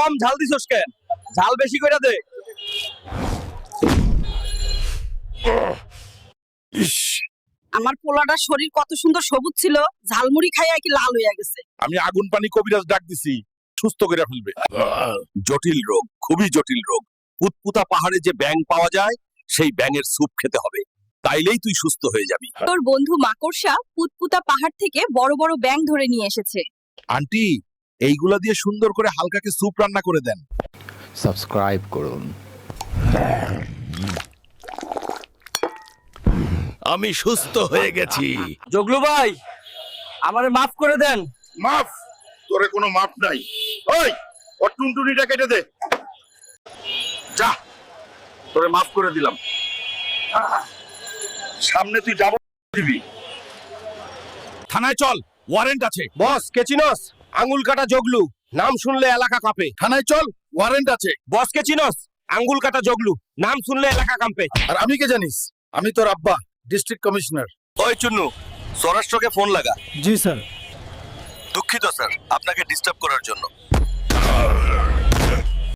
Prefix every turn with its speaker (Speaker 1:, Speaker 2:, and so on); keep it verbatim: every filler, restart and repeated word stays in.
Speaker 1: কম ঝাল দিছস কেন? ঝাল বেশি কইরা দে।
Speaker 2: ইস,
Speaker 3: আমার পোলাটার শরীর কত সুন্দর সবুজ ছিল, ঝালমুড়ি খাইয়া কি লাল হইয়া গেছে।
Speaker 2: আমি আগুন পানি কবিরাজ ডাক দিছি, সুস্থ করে ফেলবে।
Speaker 1: জটিল রোগ, খুবই জটিল রোগ। পুতপুতা পাহাড়ে যে ব্যাঙ পাওয়া যায়, সেই ব্যাঙের স্যুপ খেতে হবে, তাইলেই তুই সুস্থ হয়ে যাবি।
Speaker 3: তোর বন্ধু মাকড়সা পুতপুতা পাহাড় থেকে বড় বড় ব্যাঙ ধরে নিয়ে এসেছে।
Speaker 2: আন্টি, এইগুলা দিয়ে সুন্দর করে হালকাকে স্যুপ রান্না করে দেন।
Speaker 4: সাবস্ক্রাইব করুন।
Speaker 1: আমি সুস্থ হয়ে গেছি। জগলু ভাই, আমারে মাফ করে দেন।
Speaker 2: মাফ? তোরে কোনো মাপ নাই। ওই, ওর টুনটুনিটা কেটে দে। যা, তোরে মাফ করে দিলাম। সামনে তুই যাব দিবি। থানায় চল, ওয়ারেন্ট আছে।
Speaker 1: বস কে চিনস? আঙ্গুল কাটা জগলু, নাম শুনলে এলাকা কাঁপে।
Speaker 2: থানায় চল, ওয়ারেন্ট আছে।
Speaker 1: বস কে চিনস? আঙ্গুল কাটা জগলু, নাম শুনলে এলাকা কাঁপে।
Speaker 2: আর আমি কে জানিস? আমি তোর আব্বা, ডিস্ট্রিক্ট কমিশনার।
Speaker 1: ওই চুন্নু, স্বরাষ্ট্রকে ফোন লাগা।
Speaker 5: জি স্যার।
Speaker 1: দুঃখিত স্যার আপনাকে ডিস্টার্ব করার জন্য।